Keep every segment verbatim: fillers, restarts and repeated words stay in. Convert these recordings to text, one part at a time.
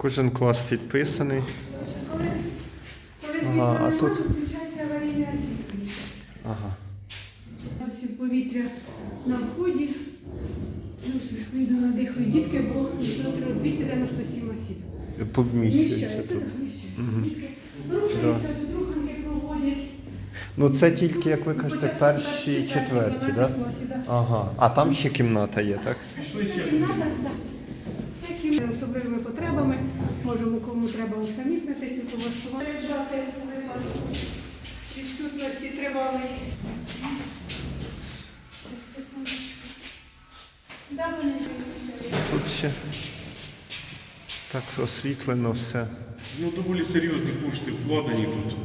Кожен клас підписаний. Коли, коли Ага, світло а немає, тут? то включається аварійне освітлення. Ага. Ось повітря на вході. Плюс вийду надихаю дітки, бо двісті дев'яносто сім осіб. Повміщується Вміщається, тут. так, вміщається. Рухаються, тут руханки проводять. Ну це тільки, як ви кажете, перші і четверті, так? Да? Ага. А там ще кімната є, так? Це кімната, так. Це кімната з особливими потребами. Можемо, кому треба усамітнитися, поваштувати. Лежати у випадку відсутності тривалої. Да, вони Тут ще так освітлено все. Ну, доволі серйозні кошти вкладені тут.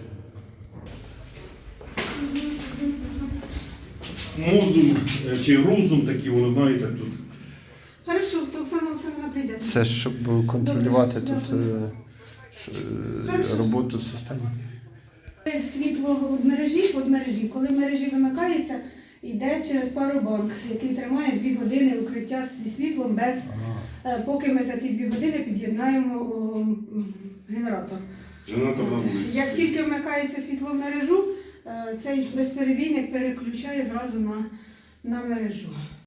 Мозум е, чи розум такий, воно знається тут. Хорошо, то Оксана Олександровна прийде. Це щоб контролювати Добре, тут е, ш- е, роботу системи. Світло від мережі, від мережі. Коли мережі вимикається, йде через паробанк, який тримає дві години укриття зі світлом, без, е, поки ми за ті дві години під'єднаємо о, м, генератор. Генератор на вулиці. Як тільки вмикається світло в мережу, е, цей безперебійник переключає зразу на, на мережу.